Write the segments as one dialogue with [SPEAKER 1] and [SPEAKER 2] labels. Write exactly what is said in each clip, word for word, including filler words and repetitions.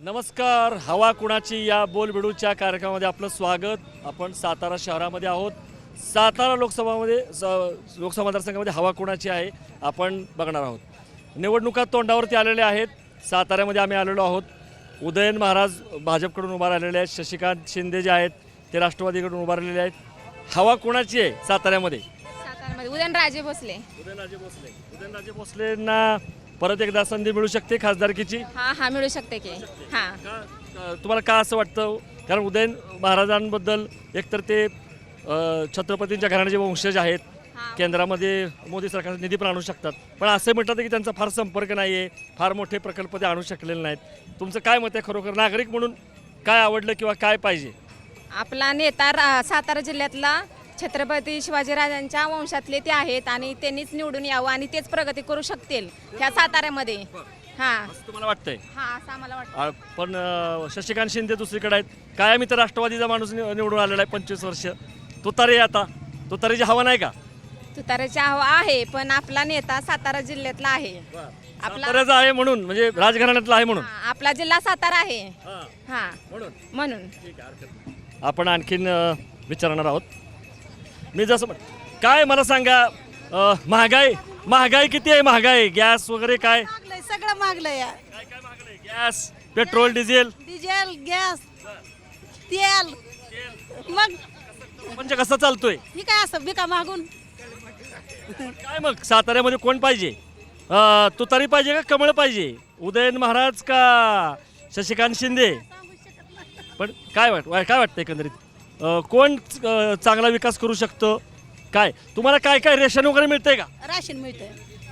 [SPEAKER 1] नमस्कार, हवा कुणाची या बोलबिडूच्या कार्यक्रमामध्ये आपलं स्वागत। आपण सातारा शहरामध्ये आहोत। सातारा लोकसभामध्ये लोकसभा मतदारसंघामध्ये हवा कुणाची आहे आपण बघणार आहोत। निवडणुका तोंडावरती आलेल्या आहेत। साताऱ्यामध्ये आम्ही आलेलो आहोत। उदयन महाराज भाजपकडून उभा राहिलेले आहेत, शशिकांत शिंदे जे आहेत ते राष्ट्रवादीकडून उभा राहिलेले आहेत। हवा कुणाची आहे साताऱ्यामध्ये?
[SPEAKER 2] साताऱ्यामध्ये उदयनराजे भोसले
[SPEAKER 1] उदयनराजे भोसले उदयनराजे भोसलेंना परत एकदा संधी मिळू शकते खासदारकीची?
[SPEAKER 2] हा हा मिळू शकते की हा
[SPEAKER 1] का तुम्हाला का असं वाटतं? कारण उदयन महाराजांबद्दल एकतर ते अ, छत्रपतींच्या घराण्याचे वंशज आहेत,
[SPEAKER 2] हा.
[SPEAKER 1] केंद्रामध्ये मोदी सरकार निधी पण आणू शकतात, पण असं म्हणतात की त्यांचा फार संपर्क नाही आहे, फार मोठे प्रकल्प ते आणू शकलेले नाहीत। तुमचं काय मत आहे खरोखर नागरिक म्हणून? काय आवडलं किंवा काय पाहिजे?
[SPEAKER 2] आपला नेता रा- सातारा जिल्ह्यातला छत्रपती शिवाजीराजांच्या वंशातले ते आहेत आणि त्यांनीच निवडून यावं आणि तेच प्रगती करू शकतील ह्या साताऱ्यामध्ये। हा
[SPEAKER 1] असं तुम्हाला वाटतंय?
[SPEAKER 2] हा असं आम्हाला वाटतं।
[SPEAKER 1] आ, पण अ, शशिकांत शिंदे दुसरीकडे आहेत। काय आम्ही तर राष्ट्रवादीचा माणूस नि- निवडून आलेला आहे पंचवीस वर्ष। तुतारी आता तुतारीची हवा नाही का?
[SPEAKER 2] तुताऱ्याची हवा आहे, पण आपला नेता सातारा जिल्ह्यातला आहे। आपला
[SPEAKER 1] साताऱ्याचा आहे म्हणून, म्हणजे राजघराण्यातला आहे म्हणून?
[SPEAKER 2] हा, आपला जिल्हा सातारा आहे
[SPEAKER 1] हा,
[SPEAKER 2] हा
[SPEAKER 1] म्हणून
[SPEAKER 2] म्हणून
[SPEAKER 1] ठीक आहे, हरकत नाही। आपण आणखीन अ, विचारणार आहोत। मी जसं म्हण काय मला सांगा, अ, महागाई महागाई किती आहे? महागाई गॅस वगैरे काय
[SPEAKER 3] मागलंय सगळं मागलंय या
[SPEAKER 1] काय काय महागलंय? Gas, petrol, diesel,
[SPEAKER 3] diesel gas तेल मग
[SPEAKER 1] म्हणजे कसं चालतोय?
[SPEAKER 3] ही काय असं बिका मागून
[SPEAKER 1] काय मग साताऱ्यामध्ये कोण पाहिजे? अ, तुतारी पाहिजे का कमळ पाहिजे? उदयन महाराज का शशिकांत शिंदे? पण काय वाट वा- काय वाटतं एकंदरीत अ, कोण अ, चांगला विकास करू शकतो? काय तुम्हाला काय काय रेशन वगैरे मिळतंय का?
[SPEAKER 3] राशन मिळतंय,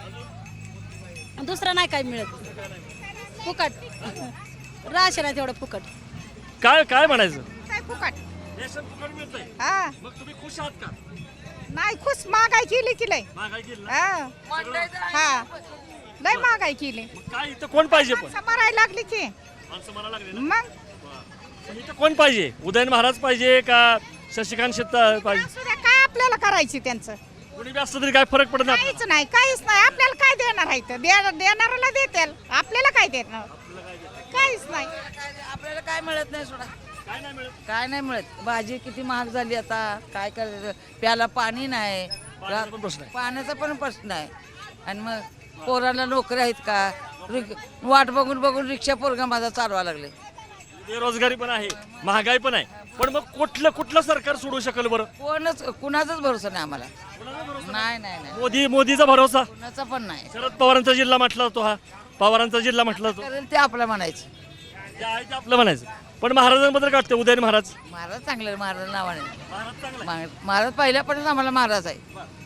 [SPEAKER 3] दुसरं नाही काय मिळत, फुकट राशन आहे तेवढं फुकट.
[SPEAKER 1] काय काय म्हणायचं?
[SPEAKER 4] काय फुकट
[SPEAKER 1] रेशन फुकट मिळतंय,
[SPEAKER 4] हा
[SPEAKER 1] मग तुम्ही खुश आहात का?
[SPEAKER 4] नाही खुश महागाई केली की लय
[SPEAKER 1] महागाई केली ना?
[SPEAKER 4] हा हा लय महागाई केली
[SPEAKER 1] मग काय इथं कोण पाहिजे? पण
[SPEAKER 4] समारायला लागली की
[SPEAKER 1] माणसं म्हणायला लागले ना?
[SPEAKER 4] मग
[SPEAKER 1] पण इथं कोण पाहिजे? उदयन महाराज पाहिजे का शशिकांत शिंदे पाहिजे?
[SPEAKER 4] असू द्या, काय आपल्याला करायची त्यांचं
[SPEAKER 1] कोणी बी असलं तरी काय फरक पडत नाही
[SPEAKER 4] काहीच नाही काहीच नाही आपल्याला काय देणार आहे इथं? दे- देणाऱ्याला देतील, आपल्याला काय देणार? काहीच नाही.
[SPEAKER 5] आपल्याला काय मिळत नाही सोडा,
[SPEAKER 1] काय नाही मिळत.
[SPEAKER 5] काय नाही मिळत. भाजी किती महाग झाली आता, काय करायचं, प्याला पाणी नाही,
[SPEAKER 1] पाण्याचा पण प्रश्न आहे.
[SPEAKER 5] पाण्याचा पण प्रश्न आहे. आणि मग पोराला नोकरी आहेत का? रिक- वाट बघून बघून रिक्षा पोरगा माझा चालवा लागले.
[SPEAKER 1] बेरोजगारी पण आहे, महागाई पण आहे, पण मग कुठलं कुठलं सरकार सोडू शकेल बरं?
[SPEAKER 5] कोणच कुणाचाच भरोसा नाही आम्हाला. नाही नाही नाही,
[SPEAKER 1] मोदी मोदीचा भरोसा?
[SPEAKER 5] कुणाचा पण नाही.
[SPEAKER 1] शरद पवारांचा जिल्हा म्हटला जातो, हा पवारांचा जिल्हा म्हटला जातो,
[SPEAKER 5] करेल ते आपलं म्हणायचं.
[SPEAKER 1] जे आहे ते आपलं म्हणायचं। पण महाराजांबद्दल काय वाटतं? उदयन महाराज
[SPEAKER 5] महाराज चांगले, महाराज नावाने.
[SPEAKER 1] महाराज चांगला
[SPEAKER 5] महा- महाराज पहिल्यापर्यंत आम्हाला महाराज आहे.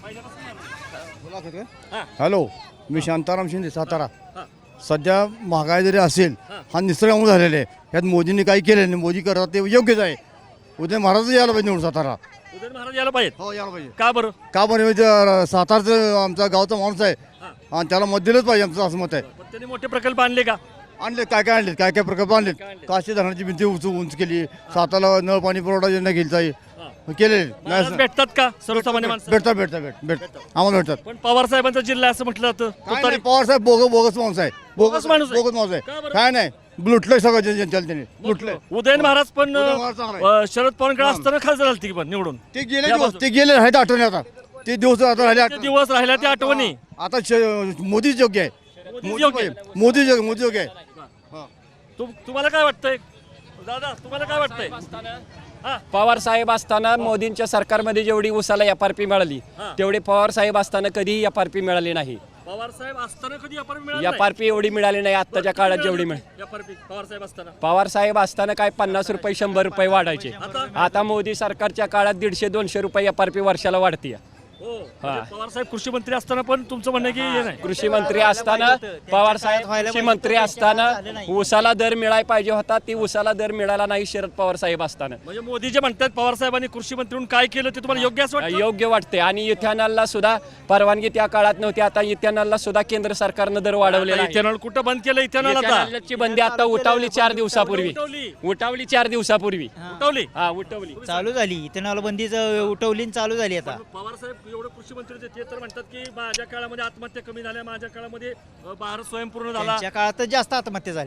[SPEAKER 6] हॅलो, मी शांताराम शिंदे सातारा. सध्या महागाई जरी असेल, हा निसर्गामुळे झालेला आहे. यात मोदींनी काही केलं नाही, मोदी करतात ते योग्यच आहे. उदय महाराज यायला पाहिजे निवडून सातारा.
[SPEAKER 1] उदयन महाराज यायला पाहिजे
[SPEAKER 6] हो, यायला पाहिजे.
[SPEAKER 1] का बरं?
[SPEAKER 6] का बरं म्हणजे सातारचं आमचा गावचा माणूस आहे आणि त्याला मत दिलंच पाहिजे, आमचं असं मत आहे.
[SPEAKER 1] पण त्यांनी मोठे प्रकल्प आणले का?
[SPEAKER 6] आणले काय काय आणले, काय काय प्रकल्प आणलेत. काशी धरणाची भिंती उंच उंच केली, साताला नळ पाणी पुरवठा योजना केली केले
[SPEAKER 1] महाराज भेटतात का सर्वसामान्य माणसं?
[SPEAKER 6] भेटतात भेटतात भेट भेट आम्हाला भेटतात.
[SPEAKER 1] पण पवार साहेबांचा जिल्हा असं म्हटलं जातं.
[SPEAKER 6] काय
[SPEAKER 1] तुतारी
[SPEAKER 6] नाही, पवार साहेब बोग बोगस माणूस आहे,
[SPEAKER 1] बोगस माणूस आहे?
[SPEAKER 6] बोगस माणूस
[SPEAKER 1] का
[SPEAKER 6] आहे.
[SPEAKER 1] बरं?
[SPEAKER 6] काय नाही, लुटलंय सगळं जनतेला त्यांनी, लुटलंय.
[SPEAKER 1] उदयन महाराज पण
[SPEAKER 6] उदयन महाराज चांगला आहे.
[SPEAKER 1] अ, शरद पवारांकडे असताना खासदार झालती की पण निवडून.
[SPEAKER 6] ते गेले
[SPEAKER 1] या
[SPEAKER 6] दिवस
[SPEAKER 1] बाजू-
[SPEAKER 6] ते गेले आहेत आठवणी आता, ते दिवस आता राहिले
[SPEAKER 1] ते
[SPEAKER 6] आठवणी.
[SPEAKER 1] दिवस राहिल्या त्या आठवणी.
[SPEAKER 6] आता श- मोदीच योग्य आहे,
[SPEAKER 1] मोदीच योग्य आहे.
[SPEAKER 6] पाहिजे. मोदी योग्य मोदी योग्य आहे.
[SPEAKER 1] तु- तुम्हाला काय वाटतंय दादा? तुम्हाला काय वाटतंय? हा
[SPEAKER 7] पवार साहेब असताना मोदींच्या सरकारमध्ये जेवढी उसाला एफ आर पी मिळाली
[SPEAKER 1] हा.
[SPEAKER 7] तेवढी पवार साहेब असताना कधीही एफ आर पी मिळाली नाही.
[SPEAKER 1] पवार साहेब असताना कधी एफ आर पी मिळालं
[SPEAKER 7] एफ आर पी एवढी मिळाली नाही आत्ताच्या काळात जेवढी मिळ
[SPEAKER 1] F R P Pawar saheb असताना.
[SPEAKER 7] पवार साहेब असताना काय पन्नास रुपये शंभर रुपये वाढायचे.
[SPEAKER 1] आता?
[SPEAKER 7] आता मोदी सरकारच्या काळात दीडशे दोनशे रुपये एफ आर पी वर्षाला वाढते.
[SPEAKER 1] हो म्हणजे पवार साहेब कृषी मंत्री असताना पण तुमचं म्हणणं आहे की हे नाही?
[SPEAKER 7] कृषी मंत्री असताना पवार साहेब कृषी मंत्री असताना उसाला दर मिळाय पाहिजे होता, ती उसाला दर मिळाला नाही शरद पवार साहेब असताना.
[SPEAKER 1] म्हणजे मोदी जे म्हणतात पवार साहेबांनी कृषी मंत्री म्हणून काय केलं ते तुम्हाला योग्य असं वाटतं?
[SPEAKER 7] योग्य वाटते. आणि इथेनॉलला सुद्धा परवानगी त्या काळात नव्हती, आता इथेनॉलला सुद्धा केंद्र सरकारनं दर वाढवलेला आहे.
[SPEAKER 1] इथेनॉल कुठं बंद केलं? इथेनॉल आता
[SPEAKER 7] इथेनॉलची बंदी आता उठवली चार दिवसापूर्वी.
[SPEAKER 1] उठवली.
[SPEAKER 7] उठवली चार दिवसापूर्वी
[SPEAKER 1] उठवली.
[SPEAKER 7] हा उठवली.
[SPEAKER 8] चालू झाली इथेनॉल बंदीच उठवली आणि चालू झाली आता.
[SPEAKER 1] पवार साहेब एवढे कृषी मंत्री होते, ते तर म्हणतात की माझ्या काळामध्ये आत्महत्या कमी झाल्या, माझ्या काळामध्ये अ, भारत स्वयंपूर्ण झाला.
[SPEAKER 8] त्यांच्या काळात जास्त आत्महत्या झाल्या.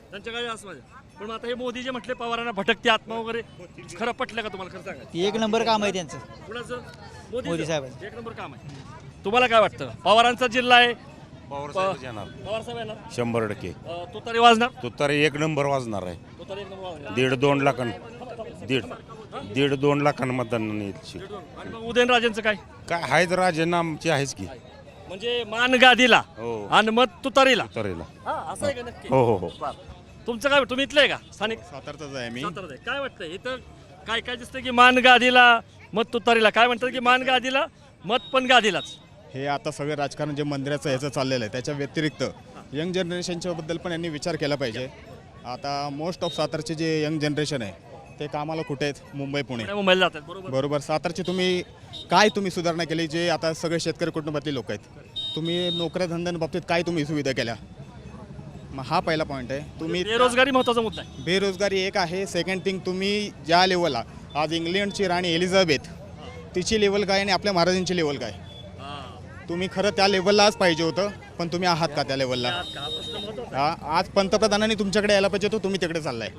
[SPEAKER 1] त्यांच्या काही असं माझ्या पण मग आता हे मोदी जे म्हटले पवारांना भटकते आत्मा वगैरे खरं पटलं का तुम्हाला? खरं सांगा.
[SPEAKER 8] ती एक नंबर काम आहे त्यांचं.
[SPEAKER 1] कुणाचं?
[SPEAKER 8] मोदी साहेबांचं.
[SPEAKER 1] एक नंबर काम आहे. तुम्हाला काय वाटतं? पवारांचा जिल्हा आहे,
[SPEAKER 9] पवार साहेबच येणार
[SPEAKER 1] पवार साहेब येणार,
[SPEAKER 9] शंभर टक्के.
[SPEAKER 1] अं, तुतारी वाजणार,
[SPEAKER 9] तुतारी एक नंबर वाजणार आहे.
[SPEAKER 1] तुतारी एक नंबर वाजणार.
[SPEAKER 9] दीड दोन लाखां दीड दीड दोन लाखांना मतदान येईल.
[SPEAKER 1] आणि मग उदयनराजेंचं काय?
[SPEAKER 9] काय आहेत राजेंना आमची आहेच की.
[SPEAKER 1] म्हणजे मान गादीला
[SPEAKER 9] हो.
[SPEAKER 1] आणि मत तुतारीला.
[SPEAKER 9] तुतारीला.
[SPEAKER 1] हा, असं आहे का नक्की?
[SPEAKER 9] हो हो हो.
[SPEAKER 1] बरं. तुमचं काय? तुम्ही इथलं आहे का? स्थानिक
[SPEAKER 6] सातारचाच आहे मी.
[SPEAKER 1] सातारात आहे. काय वाटतंय इथं काय काय दिसतं की मान गादीला मत तुतारीला? काय म्हणतात की मान गादीला मत पण गादीलाच?
[SPEAKER 6] हे आता सगळं राजकारण जे मंदिराचं ह्याचं चाललेलं आहे त्याच्या व्यतिरिक्त यंग जनरेशनच्या बद्दल पण यांनी विचार केला पाहिजे. आता मोस्ट ऑफ सातारचे जे यंग जनरेशन आहे ते कामाला कुठे आहेत? मुंबई पुणे.
[SPEAKER 1] पुणे मुंबईला जातात बरोबर.
[SPEAKER 6] बरोबर. सातारची तुम्ही काय तुम्ही सुधारणा केली? जे आता सगळे शेतकरी कुटुंबातले लोक आहेत, तुम्ही नोकऱ्या धंद्यांबाबतीत काय तुम्ही सुविधा केल्या? मग हा पहिला पॉईंट आहे. तुम्ही
[SPEAKER 1] बेरोजगारी महत्वाचा मुद्दा आहे.
[SPEAKER 6] बेरोजगारी एक आहे. सेकंड थिंग, तुम्ही ज्या लेवलला आज इंग्लंडची राणी एलिझाबेथ तिची लेवल काय आणि आपल्या महाराजांची लेवल काय? तुम्ही खरं त्या लेवललाच पाहिजे होतं, पण तुम्ही आहात का त्या लेवलला? हा, आज पंतप्रधानांनी तुमच्याकडे यायला पाहिजे होतं, तुम्ही तिकडे चाललाय.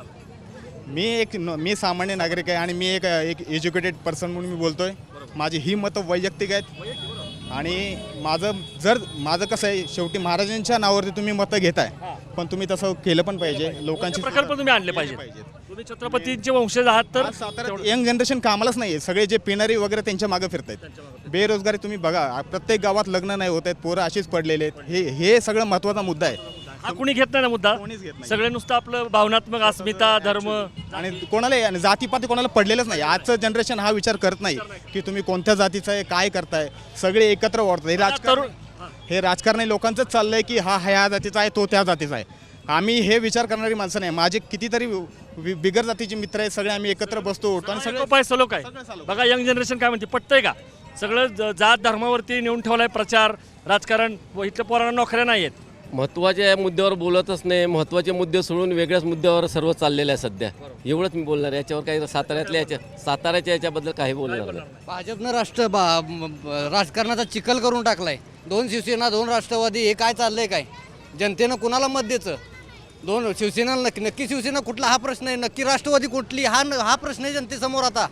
[SPEAKER 6] मी एक मी सामान्य नागरिक आहे आणि मी एक एक एज्युकेटेड पर्सन म्हणून मी बोलतोय. माझी ही मतं वैयक्तिक आहेत आणि माझं जर माझं कसं आहे, शेवटी महाराजांच्या नावावरती तुम्ही मतं घेताय, पण तुम्ही तसं केलं पण पाहिजे. लोकांची
[SPEAKER 1] प्रकल्प तुम्ही आणले पाहिजेत. तुम्ही छत्रपतींचे वंशज आहात तर
[SPEAKER 6] साताऱ्यात यंग जनरेशन कामालाच नाही आहे. सगळे जे पिणारी वगैरे त्यांच्या मागे फिरत आहेत. बेरोजगारी तुम्ही बघा, प्रत्येक गावात लग्न नाही होत आहेत, पोरं अशीच पडलेले आहेत. हे हे सगळं महत्त्वाचा मुद्दा आहे.
[SPEAKER 1] हा कुणी घेत नाही ना मुद्दा.
[SPEAKER 6] कोणीच घेत नाही.
[SPEAKER 1] सगळे नुसतं आपलं भावनात्मक अस्मिता, धर्म
[SPEAKER 6] आणि कोणाला आणि जातीपाती कोणाला पडलेलंच नाही. आजचं जनरेशन हा विचार करत नाही की तुम्ही कोणत्या जातीचं आहे, काय करताय. सगळे एकत्र वाढतात. हे राजकारण हे राजकारणी लोकांचंच चाललंय की हा ह्या जातीचा आहे, तो त्या जातीचा आहे. आम्ही हे विचार करणारी माणसं नाही. माझे कितीतरी वि- बिगर जातीचे मित्र आहेत, सगळे आम्ही एकत्र बसतो उठतो आणि सगळे
[SPEAKER 1] सगळं सलो काय बघा यंग जनरेशन काय म्हणते, पटतंय का? सगळं ज- जात धर्मावरती नेऊन ठेवलाय प्रचार राजकारण. व इथल्या पोरांना नोकऱ्या नाही आहेत.
[SPEAKER 10] महत्त्वाच्या मुद्द्यावर बोलतच नाही. महत्त्वाचे मुद्दे सोडून वेगळ्याच मुद्द्यावर सर्व चाललेलं आहे सध्या. एवढंच मी बोलणार. याच्यावर काही साताऱ्यातल्या याच्या साताऱ्याच्या याच्याबद्दल काही बोलणार नाही.
[SPEAKER 11] भाजपनं राष्ट्र बा म- ब- राजकारणाचा चिखल करून टाकलाय. दोन शिवसेना, दोन राष्ट्रवादी, हे काय चाललंय काय? जनतेनं कुणाला मत द्यायचं? दोन शिवसेना नक्की नक्की शिवसेना कुठला हा प्रश्न आहे, नक्की राष्ट्रवादी कुठली हा न- हा प्रश्न आहे जनतेसमोर. आता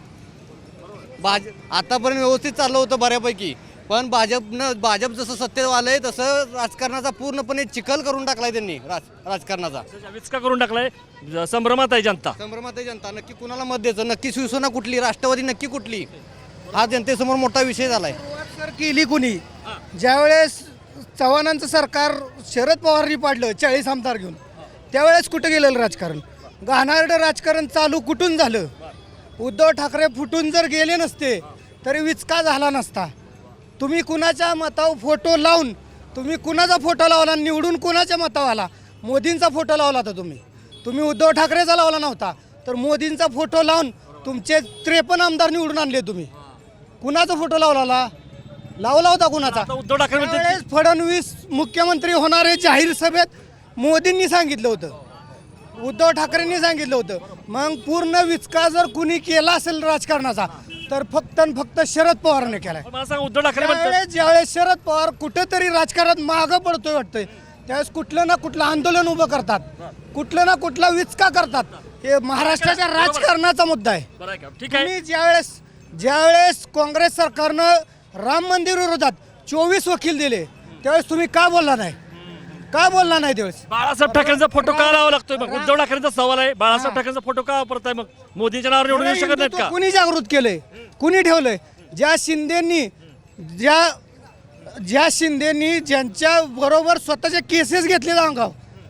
[SPEAKER 11] भाज आतापर्यंत व्यवस्थित चाललं होतं बऱ्यापैकी, पण भाजपनं भाजप जसं सत्तेत आलंय तसं राजकारणाचा पूर्णपणे चिखल करून टाकलाय त्यांनी. राज राजकारणाचा
[SPEAKER 1] विचका करून टाकलाय. ज- संभ्रमात आहे जनता.
[SPEAKER 11] संभ्रमात आहे जनता. नक्की कुणाला मत द्यायचं, नक्की शिवसेना कुठली, राष्ट्रवादी नक्की कुठली, हा जनतेसमोर मोठा विषय झालाय.
[SPEAKER 12] सर केली कुणी? ज्यावेळेस चव्हाणांचं सरकार शरद पवारांनी पाडलं चाळीस आमदार घेऊन, त्यावेळेस कुठं गेलेलं राजकारण? घाणारडं राजकारण चालू कुठून झालं? उद्धव ठाकरे फुटून जर गेले नसते तरी विचका झाला नसता. तुम्ही कुणाच्या मतावर फोटो लावून, तुम्ही कुणाचा फोटो लावला, निवडून कुणाच्या मतावर आला? मोदींचा फोटो लावला होता तुम्ही. तुम्ही उद्धव ठाकरेचा लावला नव्हता, तर मोदींचा फोटो लावून तुमचे त्रेपन्न आमदार निवडून आणले तुम्ही. कुणाचा फोटो लावला? लावला होता कुणाचा?
[SPEAKER 1] आता उद्धव ठाकरे म्हणतात
[SPEAKER 12] त्यावेळेस फडणवीस मुख्यमंत्री होणारे जाहीर सभेत मोदींनी सांगितलं होतं, उद्धव ठाकरेंनी सांगितलं होतं. मग पूर्ण विचका जर कुणी केला असेल राजकारणाचा तर फक्त आणि फक्त शरद पवारांनी केलाय.
[SPEAKER 1] मला सांगा उद्धव ठाकरे म्हणतात
[SPEAKER 12] ज्यावेळेस ज्यावेळेस शरद पवार कुठेतरी राजकारणात मागं पडतोय वाटतंय, त्यावेळेस कुठलं ना कुठलं आंदोलन उभं करतात, कुठलं ना कुठला विचका करतात. हे महाराष्ट्राच्या राजकारणाचा मुद्दा आहे.
[SPEAKER 1] बरं आहे का? ठीक आहे.
[SPEAKER 12] तुम्ही ज्यावेळेस ज्यावेळेस काँग्रेस सरकारनं राम मंदिर विरोधात चोवीस वकील दिले, त्यावेळेस तुम्ही का बोलला नाही? का बोलला नाही त्यावेळेस?
[SPEAKER 1] बाळासाहेब ठाकरेंचा फोटो का लावा लागतोय? मग उद्धव ठाकरेंचा सवाल आहे, बाळासाहेब ठाकरेंचा फोटो का वापरताय? मग मोदींच्या नावावर निवडून येऊ शकत नाहीत का?
[SPEAKER 12] कुणी जागृत केलंय? कुणी ठेवलंय? ज्या शिंदेनी ज्या ज्या शिंदेनी ज्यांच्या बरोबर स्वतःचे केसेस घेतले अंगाव,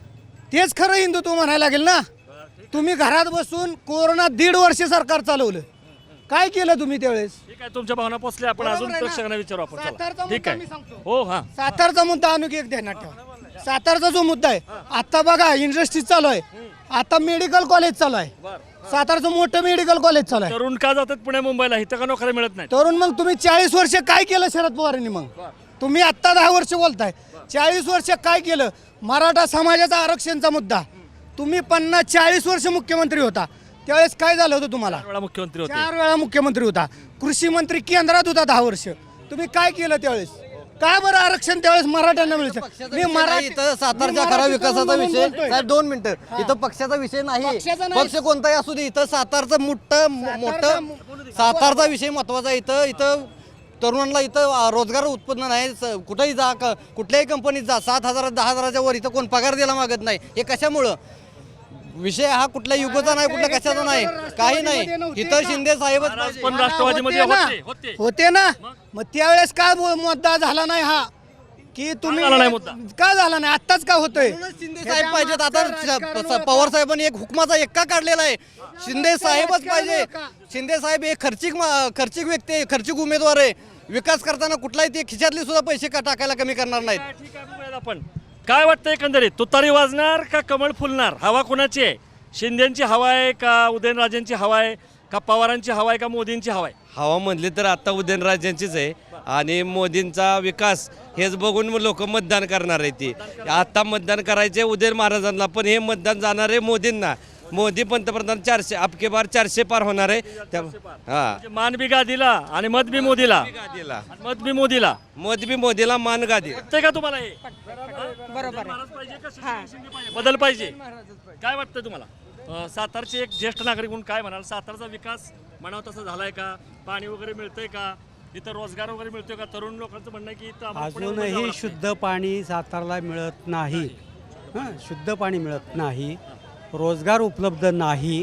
[SPEAKER 12] तेच खरं हिंदुत्व म्हणायला लागेल ना. तुम्ही घरात बसून कोरोना दीड वर्ष सरकार चालवलं, काय केलं तुम्ही त्यावेळेस?
[SPEAKER 1] ठीक आहे, तुमच्या भावना पोचल्या. आपण
[SPEAKER 12] बरोबर
[SPEAKER 1] अजून
[SPEAKER 12] आहे ना?
[SPEAKER 1] प्रेक्षकांना विचारू आपण. चला.
[SPEAKER 12] सातारचा
[SPEAKER 1] ठीक
[SPEAKER 12] मुद्दा मी
[SPEAKER 1] आहे.
[SPEAKER 12] सांगतो.
[SPEAKER 1] हो हा
[SPEAKER 12] सातारचा मुद्दा आणून एक ध्यानात ठेवा. सातारचा जो मुद्दा आहे, आता बघा इंडस्ट्री चालू आहे, आता मेडिकल कॉलेज चालू आहे, सातारचं मोठं मेडिकल कॉलेज चालू आहे.
[SPEAKER 1] तरुण का जातात पुणे मुंबईला? इथं का नोकऱ्या मिळत नाही?
[SPEAKER 12] तरुण मग तुम्ही चाळीस वर्ष काय केलं शरद पवारांनी? मग तुम्ही आत्ता दहा वर्ष बोलताय, चाळीस वर्ष काय केलं? मराठा समाजाचा आरक्षणचा मुद्दा, तुम्ही पन्नास चाळीस वर्ष मुख्यमंत्री होता, त्यावेळेस काय झालं होतं तुम्हाला?
[SPEAKER 1] चार वेळा मुख्यमंत्री होते.
[SPEAKER 12] चार वेळा मुख्यमंत्री होता, कृषी मंत्री केंद्रात होता दहा वर्ष, तुम्ही काय केलं त्यावेळेस? काय बरं आरक्षण त्यावेळेस मराठ्यांना मिळतं
[SPEAKER 11] पक्षाचा विषय नाही इथं, सातारच्या खरा विकासाचा विषय साहेब दोन मिनिटं इथं पक्षाचा विषय नाही
[SPEAKER 12] पक्षाचा नाही.
[SPEAKER 11] पक्ष कोणताही असू दे इथं सातारचं मोठं मोठं सातारचा विषय महत्वाचा आहे. इथं इथं तरुणांना इथं अं, रोजगार उत्पन्न नाही स- कुठेही जा क- कुठल्याही कंपनीत जा सात हजार दहा हजाराच्या वर इथं कोण पगार द्यायला मागत नाही. हे कशामुळं विषय हा कुठल्या युगाचा नाही कुठल्या कशाचा नाही काही नाही इथं शिंदे साहेबच
[SPEAKER 1] महाराज
[SPEAKER 11] पाहिजे.
[SPEAKER 1] पण राष्ट्रवादीमध्ये
[SPEAKER 12] होते ना.
[SPEAKER 1] होते होते
[SPEAKER 12] होते ना मग त्यावेळेस काय मु- मुद्दा झाला नाही हा की तुम्ही
[SPEAKER 1] झाला नाही मुद्दा?
[SPEAKER 12] का झाला नाही आत्ताच का होतोय
[SPEAKER 11] म्हणूनच शिंदे साहेब पाहिजेत. आता पवार साहेबांनी एक हुकमाचा एक्का काढलेला आहे. शिंदे साहेबच पाहिजे. शिंदे साहेब एक खर्चिक मा- खर्चिक व्यक्ती आहे, खर्चिक उमेदवार आहे. विकास करताना कुठलाही ते खिशातले सुद्धा पैसे का टाकायला कमी करणार नाहीत.
[SPEAKER 1] काय, ठीक आहे बघूयात आपण काय वाटतं एकंदरीत तुतारी वाजणार का कमळ फुलणार हवा कोणाची आहे शिंदेची हवा आहे का उदयनराजेंची हवा आहे का पवारांची हवा आहे का मोदींची हवा आहे
[SPEAKER 10] हवा म्हणली तर आता उदयनराजेंचीच आहे आणि मोदींचा विकास हेच बघून लोक मतदान करणार आहे ती आता मतदान करायचे उदयन महाराजांना पण हे मतदान जाणार आहे मोदींना मोदी पंतप्रधान चारशे अबके बार चारशे पार होणार आहे त्या हा
[SPEAKER 1] म्हणजे मान बी गादीला आणि मत बी मोदीला
[SPEAKER 10] गादीला
[SPEAKER 1] आणि मत बी मोदीला
[SPEAKER 10] मोदी बी मोदीला मान गादी
[SPEAKER 1] वाटतंय का तुम्हाला हे
[SPEAKER 3] बरोबर
[SPEAKER 1] महाराज पाहिजे का शिंदे- शिंदे पाहिजे? बदल पाहिजे काय वाटतं तुम्हाला अं, सातारचे एक ज्येष्ठ नागरिक म्हणून काय म्हणाल सातारचा विकास म्हणावं तसा झालाय का पाणी वगैरे मिळतंय का इथं रोजगार वगैरे मिळतोय का तरुण लोकांचं म्हणणं आहे की इथं आम्हाला पुढे उभं जावं
[SPEAKER 12] अजूनही
[SPEAKER 1] लागतंय.
[SPEAKER 12] शुद्ध पाणी सातारला मिळत नाही हां शुद्ध पाणी मिळत नाही रोजगार उपलब्ध नाही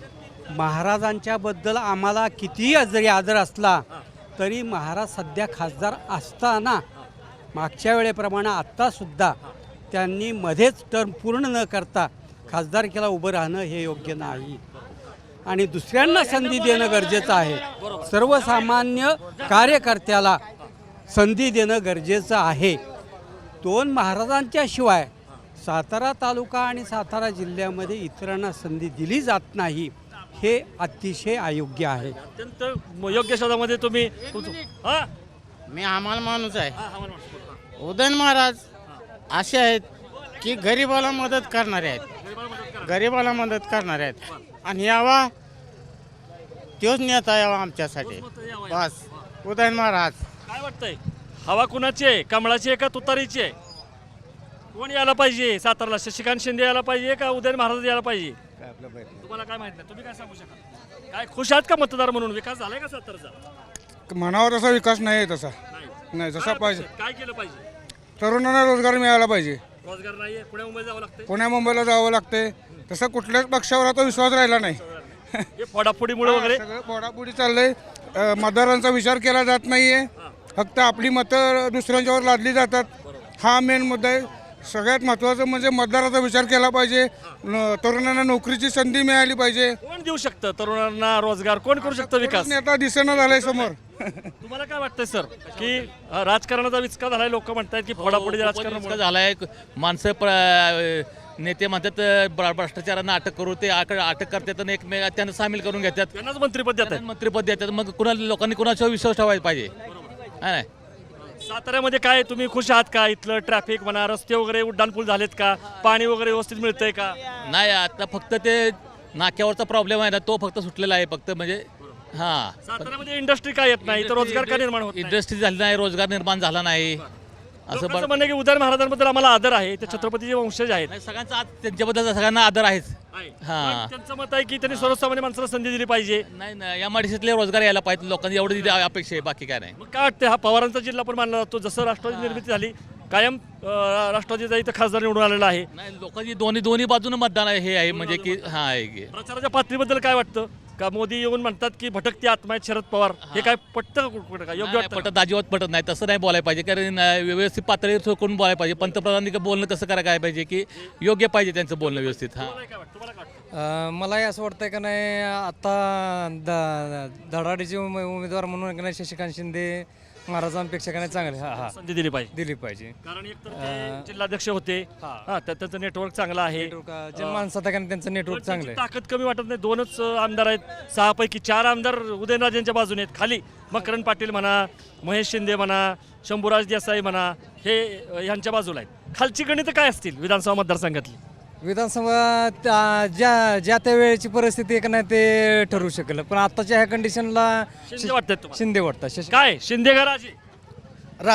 [SPEAKER 12] महाराजांच्याबद्दल आम्हाला कितीही जरी आदर असला तरी महाराज सध्या खासदार असताना मागच्या वेळेप्रमाणे आत्तासुद्धा त्यांनी मध्येच टर्म पूर्ण न करता खासदारकीला उभं राहणं हे योग्य नाही आणि दुसऱ्यांना संधी देणं गरजेचं आहे सर्वसामान्य कार्यकर्त्याला संधी देणं गरजेचं आहे दोन महाराजांच्या शिवाय सातारा तालुका आणि सातारा जिल्ह्यामध्ये इतरांना संधी दिली जात नाही हे अतिशय अयोग्य आहे
[SPEAKER 1] अत्यंत योग्य शब्दामध्ये तुम्ही तुमचं- हा?
[SPEAKER 8] मी आम्हाला माणूस आहे
[SPEAKER 1] हा, हा, म्हणा, म्हणा.
[SPEAKER 8] उदयन महाराज असे आहेत की गरीबाला मदत करणारे आहेत गरीबाला मदत करणारे आहेत आणि यावा तोच नेता यावा आमच्यासाठी बस उदयन महाराज
[SPEAKER 1] काय वाटतंय हवा कुणाची आहे कमळाची आहे का तुतारीची आहे कोण यायला पाहिजे सातारला शशिकांत शिंदे यायला पाहिजे का उदयन महाराज यायला पाहिजे तुम्हाला काय माहित नाही तुम्ही काय सांगू शकाल काय खुश आहात का मतदार म्हणून विकास झालाय का सातारचा
[SPEAKER 12] म्हणावा तसा विकास नाही तसा
[SPEAKER 1] नाही
[SPEAKER 12] नाही जसा
[SPEAKER 1] काय
[SPEAKER 12] पाहिजे
[SPEAKER 1] अपेक्षा? काय केलं पाहिजे
[SPEAKER 12] तरुणांना रोजगार मिळाला पाहिजे
[SPEAKER 1] रोजगार नाहीये पुणे मुंबई जावं लागतंय
[SPEAKER 12] पुण्या मुंबईला जावं लागते तसं कुठल्याच पक्षावर आता विश्वास राहिला नाही
[SPEAKER 1] हे फोडाफोडीमुळे वगैरे
[SPEAKER 12] सगळं फोडाफोडी चाललंय अं, मतदारांचा विचार केला जात नाहीये फक्त आपली मतं दुसऱ्यांच्यावर लादली जातात हा मेन मुद्दा आहे सगळ्यात महत्त्वाचं म्हणजे मतदाराचा विचार केला पाहिजे न- तरुणांना नोकरीची संधी मिळाली पाहिजे
[SPEAKER 1] कोण देऊ शकतं तरुणांना रोजगार कोण करू शकतं विकास
[SPEAKER 12] नेता दिसेना झालाय समोर
[SPEAKER 1] तुम्हाला काय वाटतंय सर की अं, राजकारणाचा विचका झालाय लोक म्हणतायत की फोडाफोडी राजकारण
[SPEAKER 13] झालाय माणसं प्र- नेते म्हणतात भ्र- भ्रष्टाचारांना अटक करू ते आक- अटक करतात आणि एकमेक त्यांना सामील करून घेतात
[SPEAKER 1] त्यांनाच मंत्रीपद देत आहेत
[SPEAKER 13] मंत्रीपद देतात मग कुणाला लोकांनी कुणाच्यावर विश्वास ठेवायला पाहिजे हा नाही
[SPEAKER 1] साताऱ्यामध्ये काय तुम्ही खुश आहात का इथलं ट्रॅफिक म्हणा रस्ते वगैरे उड्डाणपूल झालेत का पाणी वगैरे व्यवस्थित मिळतंय का
[SPEAKER 13] नाही आता फक्त ते नाक्यावरचा प्रॉब्लेम आहे ना तो फक्त सुटलेला आहे फक्त म्हणजे हा
[SPEAKER 1] साताऱ्यामध्ये इंडस्ट्री काय येत नाही तर रोजगार का निर्माण होत नाही?
[SPEAKER 13] इंडस्ट्री झाली नाही रोजगार निर्माण झाला नाही असं
[SPEAKER 1] लोकांचं
[SPEAKER 13] बरं
[SPEAKER 1] म्हणणं आहे की उदयन महाराजांबद्दल आम्हाला आदर आहे ते छत्रपतीचे वंशज आहेत
[SPEAKER 13] नाही, सगळ्यांचा आज त्यांच्याबद्दल सगळ्यांना आदर आहेच
[SPEAKER 1] आहे.
[SPEAKER 13] हा.
[SPEAKER 1] पण त्यांचं मत आहे की त्यांनी सर्वसामान्य माणसाला संधी दिली पाहिजे
[SPEAKER 13] नाही ना या माडीशीतले रोजगार यायला पाहिजे लोकांनी एवढी अपेक्षा आहे बाकी काय नाही
[SPEAKER 1] मग काय वाटतं हा पवारांचा जिल्हा पण मानला जातो जसं राष्ट्रवादी निर्मिती झाली कायम अं, राष्ट्रवादीचा इथं खासदार निवडून आलेला आहे
[SPEAKER 13] नाही लोकांनी दोन्ही दोन्ही बाजूनं मतदान आहे हे आहे म्हणजे की हा आहे की
[SPEAKER 1] प्रचाराच्या पातळीबद्दल काय वाटतं का मोदी येऊन म्हणतात की भटकती आत्मा आहेत शरद पवार हे काय पटतं का कुठं काय योग्य
[SPEAKER 13] नाही,
[SPEAKER 1] वाटतं का?
[SPEAKER 13] पटत अजिबात पटत नाही तसं नाही बोलायला पाहिजे कारण अं, व्यवस्थित पातळीवर करून बोलायला पाहिजे पंतप्रधानांनी बोलणं कसं करायला काय पाहिजे की योग्य पाहिजे त्यांचं बोलणं व्यवस्थित हा
[SPEAKER 1] तुम्हाला काय वाटतं? तुम्हाला काय वाटतं?
[SPEAKER 11] मलाही असं वाटतंय का नाही आता द धडाडीचे उमे- उमेदवार म्हणून का नाही शशिकांत शिंदे महाराजांपेक्षा का नाही चांगले हा हा
[SPEAKER 1] संधी दिली पाहिजे
[SPEAKER 11] दिली पाहिजे
[SPEAKER 1] कारण एक तर ते जिल्हाध्यक्ष होते हा त्या- त्यांचं नेटवर्क चांगलं आहे
[SPEAKER 11] जे माणसात का नाही त्यांचं नेटवर्क
[SPEAKER 1] पण
[SPEAKER 11] चांगलं
[SPEAKER 1] त्यांची
[SPEAKER 11] आहे
[SPEAKER 1] ताकद कमी वाटत नाही दोनच अं, आमदार आहेत सहापैकी चार आमदार उदयनराजेंच्या बाजूने आहेत खाली मकरंद पाटील म्हणा महेश शिंदे म्हणा शंभूराज देसाई म्हणा हे अं, ह्यांच्या बाजूला आहेत खालची गणितं काय असतील विधानसभा मतदारसंघातली
[SPEAKER 11] विधानसभा त्या- ज्या ज्या त्या वेळेची परिस्थिती आहे का नाही ते ठरवू शकलं पण आताच्या ह्या कंडिशनला
[SPEAKER 1] शिंदे वाटतात तुम्हाला
[SPEAKER 11] शिंदे वाटतात शशी
[SPEAKER 1] काय शिंदे का राजे
[SPEAKER 12] राजे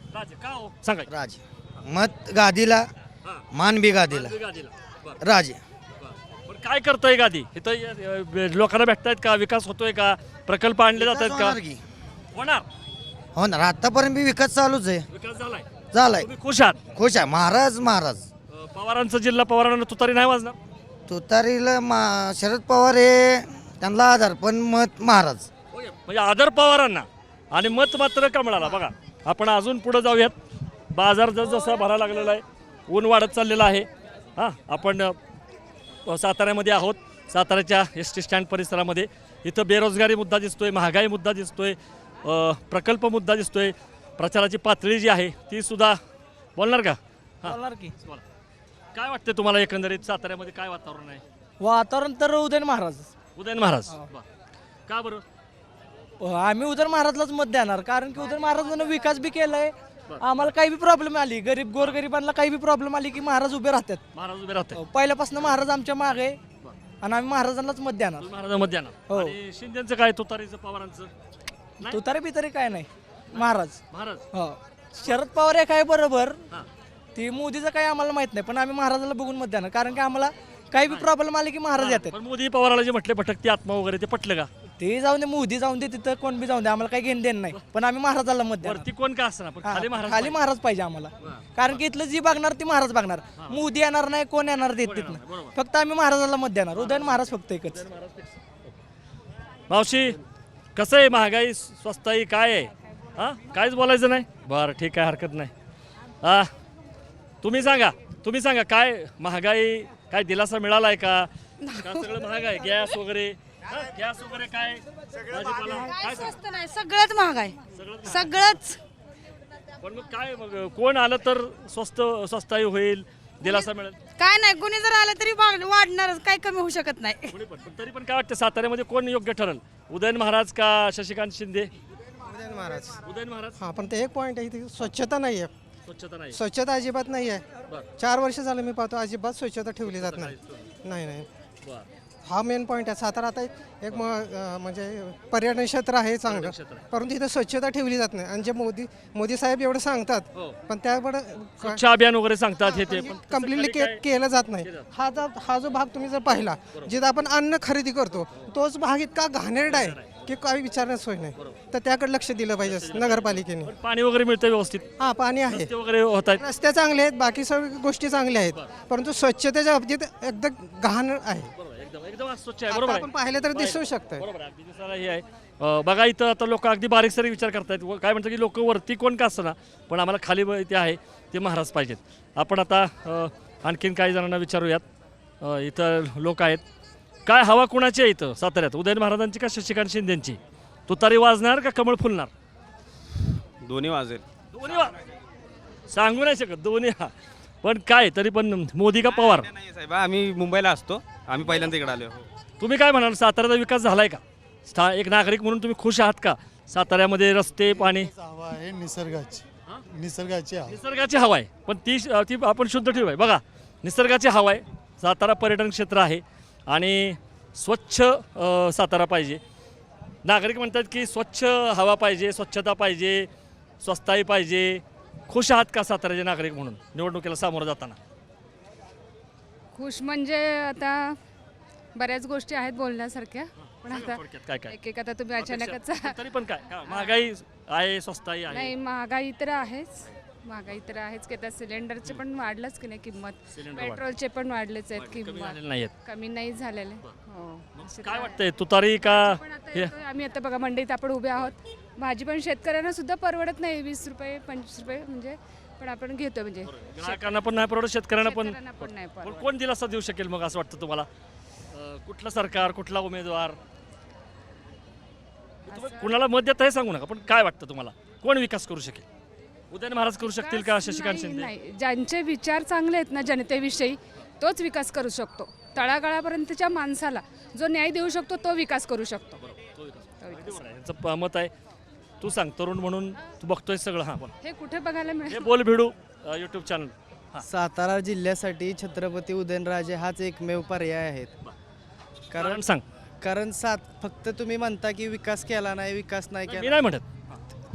[SPEAKER 1] राज का हो सांगा की.
[SPEAKER 12] राज मत गादीला
[SPEAKER 1] हां.
[SPEAKER 12] मान बी गादीला
[SPEAKER 1] गादीला. बरं.
[SPEAKER 12] राज
[SPEAKER 1] पण काय करतोय गादी इथं अ, लोकांना भेटतायत का विकास होतोय का प्रकल्प आणले जात आहेत का
[SPEAKER 12] होणार की?
[SPEAKER 1] होणार
[SPEAKER 12] हो ना आतापर्यंत बी विकास चालूच आहे
[SPEAKER 1] विकास झालाय
[SPEAKER 12] झालाय
[SPEAKER 1] तुम्ही खुश आहात
[SPEAKER 12] खुश आहे महाराज महाराज
[SPEAKER 1] अ, पवारांचा जिल्हा पवारांना तुतारी नाही वाजणार
[SPEAKER 12] तुतारीला मा शरद पवार हे त्यांना आधार पण मत महाराज
[SPEAKER 1] म्हणजे आदर पवारांना आणि मत मात्र कमळाला. बघा आपण अजून पुढे जाऊयात. बाजार जस जसा भरायला लागलेला आहे ऊन वाढत चाललेलं आहे. हां आपण अ, साताऱ्यामध्ये आहोत. साताऱ्याच्या एस टी स्टँड परिसरामध्ये इथं बेरोजगारी मुद्दा दिसतोय, महागाई मुद्दा दिसतोय, अ, प्रकल्प मुद्दा दिसतोय, प्रचाराची पातळी जी आहे ती सुद्धा बोलणार का? हां
[SPEAKER 14] बोलणार की
[SPEAKER 1] बोला. काय वाटतं तुम्हाला एकंदरीत साताऱ्यामध्ये काय वातावरण आहे?
[SPEAKER 14] वातावरण तर उदयन महाराज.
[SPEAKER 1] उदयन महाराज बरं. का बरं?
[SPEAKER 14] आम्ही उदयन महाराजलाच मत देणार कारण की उदयन महाराजांना विकास बी केलाय. आम्हाला काही बी प्रॉब्लेम आली गरीब गोरगरिबांना काही बी प्रॉब्लेम आली की महाराज उभे राहतात.
[SPEAKER 1] महाराज उभे राहतात
[SPEAKER 14] पहिल्यापासून महाराज आमच्या मागे आहे आणि आम्ही महाराजांनाच मत देणार.
[SPEAKER 1] महाराजांमध्ये येणार.
[SPEAKER 14] हो.
[SPEAKER 1] आणि शिंदेचं काय तुतारीचं पवारांचं नाही?
[SPEAKER 14] तुतारी बितारी काय नाही महाराज.
[SPEAKER 1] महाराज
[SPEAKER 14] हो शरद पवार एक आहे बरोबर.
[SPEAKER 1] हां.
[SPEAKER 14] ती मोदीचं काही आम्हाला माहित नाही पण आम्ही महाराजाला बघून मत देणार कारण की आम्हाला काही बी प्रॉब्लेम आले की महाराज येतात.
[SPEAKER 1] पण मोदी पवाराला जे म्हटले भटकती आत्मा वगैरे ते पटलं का?
[SPEAKER 14] ते जाऊन दे मोदी जाऊन दे तिथं कोण बी जाऊन दे आम्हाला काही घेणं देणं नाही पण आम्ही महाराजाला मत देणार.
[SPEAKER 1] वरती कोण का असणार पण खाली महाराज
[SPEAKER 14] खाली महाराज पाहिजे आम्हाला कारण की इथलं जी बघणार ती महाराज बघणार. मोदी येणार नाही कोण येणार देत तिथनं फक्त आम्ही महाराजाला मत देणार. उदयन महाराज फक्त एकच.
[SPEAKER 1] मावशी कसं आहे महागाई स्वस्ताई काय आहे? हां काहीच बोलायचं नाही बरं ठीक आहे हरकत नाही. हां तुम्ही सांगा तुम्ही सांगा काय महागाई काय दिलासा मिळाला आहे का? का सगळं महाग आहे गॅस वगैरे हां, गॅस वगैरे काय भाजीपाला काय सांगा?
[SPEAKER 3] स्वस्त नाही सगळंच महाग आहे
[SPEAKER 1] सगळंच
[SPEAKER 3] सगळंच.
[SPEAKER 1] पण मग काय मग कोण आलं तर स्वस्त स्वस्ताई होईल दिलासा मिळेल?
[SPEAKER 3] काय नाही कोणी जर आलं तरी वाढ- वाढणारच काही कमी होऊ शकत नाही.
[SPEAKER 1] कोणी पण पण तरी पण काय वाटतं साताऱ्यामध्ये कोण योग्य ठरेल उदयन महाराज का शशिकांत शिंदे?
[SPEAKER 12] उदयन महाराज
[SPEAKER 1] उदयन महाराज.
[SPEAKER 12] हा पण ते एक पॉईंट आहे इथे स्वच्छता नाही आहे.
[SPEAKER 1] स्वच्छता नाही
[SPEAKER 12] स्वच्छता अजिबात नाही आहे.
[SPEAKER 1] बरं.
[SPEAKER 12] चार वर्ष झालं मी पाहतो अजिबात स्वच्छता ठेवली जात नाही. नाही नाही
[SPEAKER 1] बरं.
[SPEAKER 12] हा मेन पॉईंट आहे. सातारा आता एक म- अं, म्हणजे पर्यटन क्षेत्र आहे चांगलं
[SPEAKER 1] क्षेत्र आहे.
[SPEAKER 12] परंतु इथं स्वच्छता ठेवली जात नाही आणि जे मोदी मोदी साहेब एवढं सांगतात
[SPEAKER 1] हो.
[SPEAKER 12] पण त्याकडे
[SPEAKER 1] स्वच्छ अभियान वगैरे सांगतात हे ते पण तसं
[SPEAKER 12] कम्प्लिटली
[SPEAKER 1] कधी काय-
[SPEAKER 12] केलं जात नाही. हा जो हा जो भाग तुम्ही जर पाहिला जिथं आपण अन्न खरेदी करतो तोच भाग इतका घाणेरडा आहे की काही विचारण्यास सोय नाही. तर त्याकडे लक्ष दिलं पाहिजे नगरपालिकेने.
[SPEAKER 1] पण पाणी वगैरे मिळतं व्यवस्थित
[SPEAKER 12] हा पाणी आहे
[SPEAKER 1] रस्ते वगैरे होत आहेत
[SPEAKER 12] रस्ते चांगले आहेत बाकी सर्व गोष्टी चांगल्या आहेत परंतु स्वच्छतेच्या बाबतीत एकदम घाण आहे.
[SPEAKER 1] एकदम एकदम स्वच्छ आहे
[SPEAKER 12] आता
[SPEAKER 1] बरोबर
[SPEAKER 12] आपण
[SPEAKER 1] आहे
[SPEAKER 12] पाहिलं तर दिसू शकतं.
[SPEAKER 1] बरोबर आहे अगदी दिसायला हे आहे. अं, बघा इथं आता लोक अगदी बारीक सारीक विचार करतायत व काय म्हणतात की लोक वरती कोण का असतं ना पण आम्हाला खाली ब- ते आहे ते महाराज पाहिजेत. आपण आता अं, आणखीन काही जणांना विचारूयात. अं, इथं लोक आहेत काय हवा कुणाची आहे इथं साताऱ्यात उदयन महाराजांची का शशिकांत शिंदेची? तुतारी वाजणार का कमळ फुलणार?
[SPEAKER 10] दोन्ही वाजेल.
[SPEAKER 1] दोन्ही वा सांगू नाही शकत दोन्ही हा पण काय तरी पण मोदी का पवार?
[SPEAKER 10] नाही साहेब आम्ही मुंबईला असतो आम्ही पहिल्यांदा इकडे आलो.
[SPEAKER 1] तुम्ही काय म्हणाल साताऱ्याचा विकास झालाय का? स्था एक नागरिक म्हणून तुम्ही खुश आहात का? साताऱ्यामध्ये रस्ते पाणी
[SPEAKER 15] हवा आहे निसर्गाची निसर्गाची हवा.
[SPEAKER 1] निसर्गाची हवा आहे पण ती ती आपण शुद्ध ठेवू आहे. बघा निसर्गाची हवा आहे. सातारा पर्यटन क्षेत्र आहे आणि स्वच्छ अ, सातारा पाहिजे. नागरिक म्हणतात की स्वच्छ हवा पाहिजे स्वच्छता पाहिजे स्वस्ताई पाहिजे. खुश आहात का साताऱ्याचे नागरिक म्हणून निवडणुकीला सामोरं जाताना?
[SPEAKER 2] खुश म्हणजे आता बऱ्याच गोष्टी आहेत बोलण्यासारख्या पण आता
[SPEAKER 1] थोडक्यात काय काय
[SPEAKER 2] एक एक आता तुम्ही अचानकच
[SPEAKER 1] तरी पण काय हा, महागाई आहे स्वस्ताई आहे
[SPEAKER 2] नाही महागाई तर आहेच महागाई तर आहेच की आता सिलेंडरचे पण वाढलंच की नाही किंमत
[SPEAKER 1] सिलेंडर वाढ-
[SPEAKER 2] पेट्रोलचे पण वाढलेच आहेत
[SPEAKER 1] कमी
[SPEAKER 2] किंमत
[SPEAKER 1] झालेले नाही आहेत.
[SPEAKER 2] कमी नाही झालेले हो असे
[SPEAKER 1] काय
[SPEAKER 2] तर
[SPEAKER 1] वाटतंय तुतारी का
[SPEAKER 2] पण आता
[SPEAKER 1] हे
[SPEAKER 2] येतोय, आम्ही आता बघा मंडईत आपण उभे आहोत भाजी पण शेतकऱ्यांना सुद्धा परवडत नाही वीस रुपये पंचवीस रुपये म्हणजे पण आपण घेतो म्हणजे
[SPEAKER 1] ग्राहकांना पण नाही परवडत शेतकऱ्यांना पण
[SPEAKER 2] शेतकऱ्यांना पण नाही
[SPEAKER 1] पण
[SPEAKER 2] परवडत.
[SPEAKER 1] कोण दिलासा देऊ शकेल मग असं वाटतं तुम्हाला? अं, कुठलं सरकार कुठला उमेदवार तुम्ही कुणाला मत देता हे सांगू नका पण काय वाटतं तुम्हाला कोण विकास करू शकेल? उदयन महाराज करू शकतील का शशिकांत
[SPEAKER 2] नाही,
[SPEAKER 1] शिंदे?
[SPEAKER 2] नाही ज्यांचे विचार चांगले आहेत ना जनतेविषयी तोच विकास करू शकतो. तळागाळापर्यंतच्या माणसाला जो न्याय देऊ शकतो तो विकास करू शकतो.
[SPEAKER 1] तो विकास. अगदी बरोबर आहे. यांचं प- मत आहे. तू सांग तरुण म्हणून तू बघतोय सगळं हां बोल
[SPEAKER 2] हे कुठे बघायला
[SPEAKER 1] हे
[SPEAKER 2] मिळेल?
[SPEAKER 1] बोल भिडू यूट्यूब चॅनल हां
[SPEAKER 14] सातारा जिल्ह्यासाठी छत्रपती उदयनराजे हाच एकमेव पर्याय आहेत.
[SPEAKER 1] कारण
[SPEAKER 14] कारण
[SPEAKER 1] सांग
[SPEAKER 14] कारण सात फक्त तुम्ही म्हणता की विकास केला नाही विकास नाही
[SPEAKER 1] मी
[SPEAKER 14] केला
[SPEAKER 1] नाही म्हणत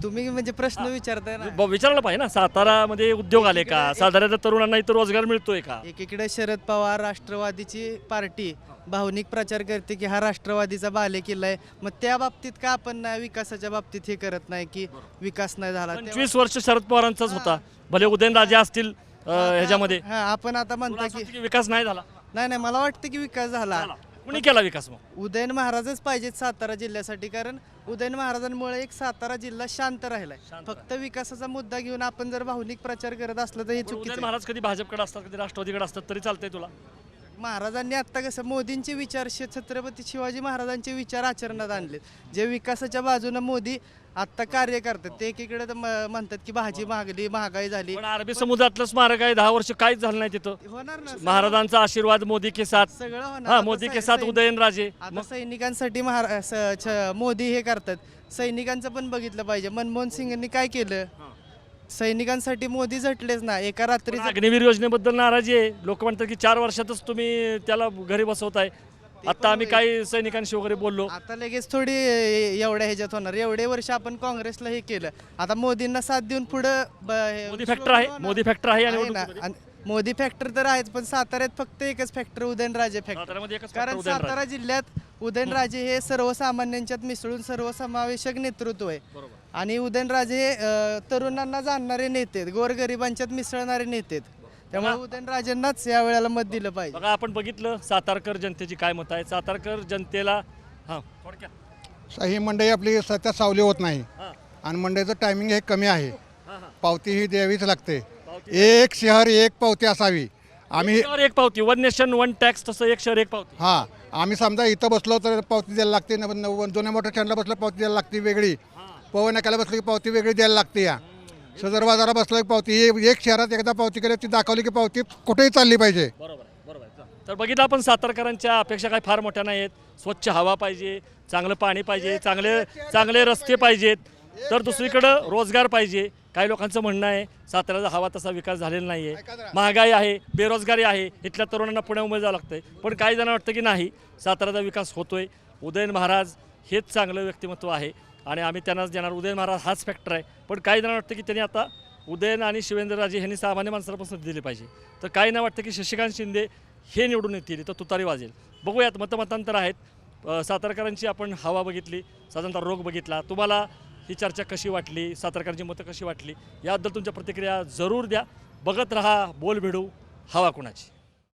[SPEAKER 14] तुम्ही म्हणजे प्रश्न विचारताय ना.
[SPEAKER 1] ब- विचारायला पाहिजे ना, सातारामध्ये उद्योग आले का, साताऱ्याच्या तरुणांना इथं रोजगार मिळतोय का?
[SPEAKER 14] एकीकडे शरद पवार राष्ट्रवादीची पार्टी भावनिक प्रचार करते की हा राष्ट्रवादीचा बालेकिल्ला आहे, मग त्या बाबतीत का आपण नाही विकासाच्या बाबतीत हे करत नाही की विकास नाही झाला?
[SPEAKER 1] पंचवीस वर्ष शरद पवारांचाच होता, भले उदयनराजे असतील अ, ह्याच्यामध्ये.
[SPEAKER 14] हा आपण आता म्हणतो
[SPEAKER 1] तुला असं
[SPEAKER 14] की
[SPEAKER 1] वाटतं की विकास नाही झाला?
[SPEAKER 14] नाही नाही मला वाटतं की विकास झाला.
[SPEAKER 1] कुणी केला विकास मग?
[SPEAKER 14] उदयन महाराजच पाहिजेत सातारा जिल्ह्यासाठी, कारण उदयन महाराजांमुळे एक सातारा जिल्हा शांत राहिलाय. फक्त विकासाचा मुद्दा घेऊन आपण जर भावनिक प्रचार करत असलं तर हे
[SPEAKER 1] पण
[SPEAKER 14] चुकीचं
[SPEAKER 1] उदयन
[SPEAKER 14] आहे.
[SPEAKER 1] महाराज कधी भाजपकडे असतात, कधी राष्ट्रवादीकडे असतात, तरी चालतंय तुला?
[SPEAKER 14] महाराजांनी आता कसं मोदींचे विचार शे- छत्रपती शिवाजी महाराजांचे विचार आचरणात आणले, जे विकासाच्या बाजूने मोदी आता कार्य करतात. ते एकीकडे तर म- म्हणतात की भाजी महागली, महागाई झाली.
[SPEAKER 1] पण अरबी समुद्रातलं स्मारक आहे, दहा वर्ष काहीच झालं नाही तिथं.
[SPEAKER 14] होणार ना,
[SPEAKER 1] महाराजांचा आशीर्वाद मोदी के साथ.
[SPEAKER 14] सगळं होणार.
[SPEAKER 1] हा,
[SPEAKER 14] आता
[SPEAKER 1] मोदी के
[SPEAKER 14] सै-
[SPEAKER 1] साथ
[SPEAKER 14] सैनिक-
[SPEAKER 1] उदयनराजे.
[SPEAKER 14] आता सैनिकांसाठी महारा स- छ- मोदी हे करतात. सैनिकांचं पण बघितलं पाहिजे. मनमोहन सिंगांनी काय केलं, सैनिकांसाठी मोदी झटलेच ना एका रात्री.
[SPEAKER 1] अग्निवीर योजनेबद्दल नाराजी आहे. लोक म्हणतात की चार वर्षातच तुम्ही त्याला घरी बसवताय. आता आम्ही काही सैनिकांशी वगैरे बोललो.
[SPEAKER 14] आता लगेच थोडी एवढ्या ह्याच्यात होणार. एवढे वर्ष आपण काँग्रेसला हे केलं, आता मोदींना साथ देऊन पुढं ब- हे-
[SPEAKER 1] मोदी फॅक्टर आहे, मोदी फॅक्टर आहे आणि
[SPEAKER 14] आहे ना. आणि मोदी फॅक्टर तर आहेच, पण साताऱ्यात फक्त एकच फॅक्टर उदयनराजे फॅक्टर.
[SPEAKER 1] साताऱ्यामध्ये एकच
[SPEAKER 14] कारण
[SPEAKER 1] फॅक्टर उदयनराजे.
[SPEAKER 14] सातारा जिल्ह्यात उदयनराजे हे सर्वसामान्यांच्यात मिसळून सर्वसमावेशक नेतृत्व आहे. आणि उदयनराजे हे अ, तरुणांना जाणणारे नेते आहेत, गोरगरिबांच्यात मिसळणारे नेते आहेत. त्यामुळे उदयनराजेंनाच या वेळेला मत दिलं पाहिजे.
[SPEAKER 1] बघा, आपण बघितलं सातारकर जनतेची काय मत आहे. सातारकर जनतेला हां थोडक्यात
[SPEAKER 16] ही मंडई आपली सध्या सावली होत नाही आणि मंडईचं टायमिंग हे कमी आहे. पावती ही द्यावीच लागते. एक शहर एक पावती असावी. आम्ही
[SPEAKER 1] शहर एक पावती, वन नेशन वन टॅक्स, तसं एक शहर एक पावती.
[SPEAKER 16] हां आम्ही समजा इथं बसलो तर पावती द्यायला लागते, न- न- जुन्या मोठ्या स्टँडला बसलं पावती द्यायला लागते वेगळी, पवन नाक्याला बसलं की पावती वेगळी द्यायला लागते. या सदर बाजाराला बसलं की पावती, हे एक शहरात एकदा पावती केली ती दाखवली की पावती कुठेही चालली पाहिजे.
[SPEAKER 1] बरोबर आहे, बरोबर आहे. तर बघितलं आपण सातारकरांच्या अपेक्षा काही फार मोठ्या नाही आहेत. स्वच्छ हवा पाहिजे, चांगलं पाणी पाहिजे, चांगले चांगले रस्ते पाहिजेत, तर दुसरीकडं रोजगार पाहिजे. काही लोकांचं म्हणणं आहे साताऱ्याचा हवा तसा विकास झालेला नाही आहे, महागाई आहे, बेरोजगारी आहे, इथल्या तरुणांना पुण्यामुळे जावं लागतं आहे. पण काही जणांना वाटतं की नाही, साताऱ्याचा विकास होतोय. उदयन महाराज हेच चांगलं व्यक्तिमत्व आहे आणि आम्ही त्यांनाच देणार. उदयन महाराज हाच फॅक्टर आहे. पण काही जणांना वाटतं की त्यांनी आता उदयन आणि शिवेंद्रराजे यांनी सामान्य माणसाला पसंती दिली पाहिजे. तर काही ना वाटतं की शशिकांत शिंदे हे निवडून येतील तर तुतारी वाजेल. बघूयात, मतमतांतर आहेत. अ, सातारकरांची आपण हवा बघितली, साधारणतः रोग बघितला. तुम्हाला ही चर्चा कशी वाटली, सातारकरांची मतं कशी वाटली, याबद्दल तुमच्या प्रतिक्रिया जरूर द्या. बघत रहा बोल भिडू, हवा कुणाची.